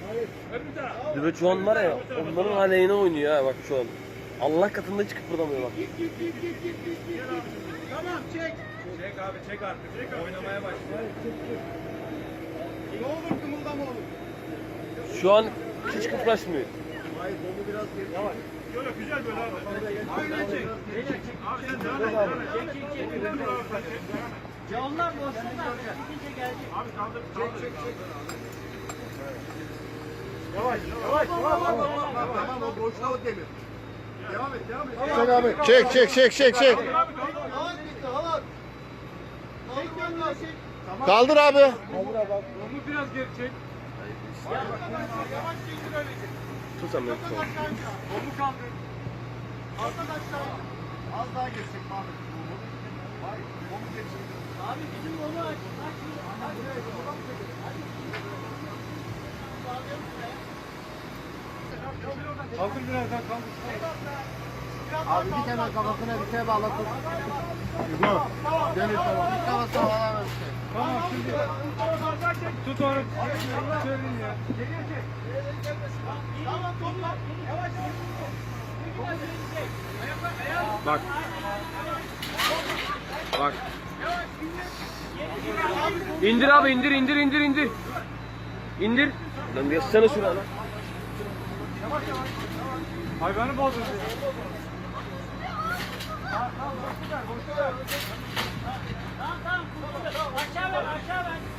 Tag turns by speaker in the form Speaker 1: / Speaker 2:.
Speaker 1: Düve şu an var ya, onların aleyhine oynuyor ha bak şu an. Allah katında hiç kıpırdamıyor bak.
Speaker 2: Tamam çek.
Speaker 3: Çek abi çek artık. Oynamaya başla.
Speaker 2: Ne olur kımıldama olur.
Speaker 1: Şu an hiç kıpraşmıyor.
Speaker 2: Hayır bolu biraz geri. Yavaş.
Speaker 3: Böyle güzel böyle abi.
Speaker 2: Aynen çek.
Speaker 3: Abi sen devam et. Devam et.
Speaker 4: Ya onlar boşluğundan gidince gelecek.
Speaker 3: Abi kaldır.
Speaker 2: Çek. Yavaş. Tamam o boşluğa o demir. Devam et.
Speaker 5: Çek abi. Çek.
Speaker 2: Halat bitti halat. Çek.
Speaker 5: Kaldır abi.
Speaker 3: Onu biraz geri çek.
Speaker 2: Yavaş çektir öyle.
Speaker 1: Tut sen beni.
Speaker 3: Onu kaldır.
Speaker 2: Arkadaşlar az daha geçecek Mahmut. Hayır, onu geçecek.
Speaker 4: Abi bizim onu aç.
Speaker 3: Kaldır birazdan kaldır.
Speaker 2: Abi bir tane kafasına bir şey bağlatın. Demir tamam. Bir kafasına bağlamam işte.
Speaker 3: Tamam şimdi. Tut onu. Söyleyin ya.
Speaker 4: Tamam topla. Yavaş.
Speaker 1: Bak. Bak. İndir abi indir. İndir. Lan geçsene şuna lan.
Speaker 3: Hayvanı bozdun.
Speaker 4: Tamam. Aşağı ver.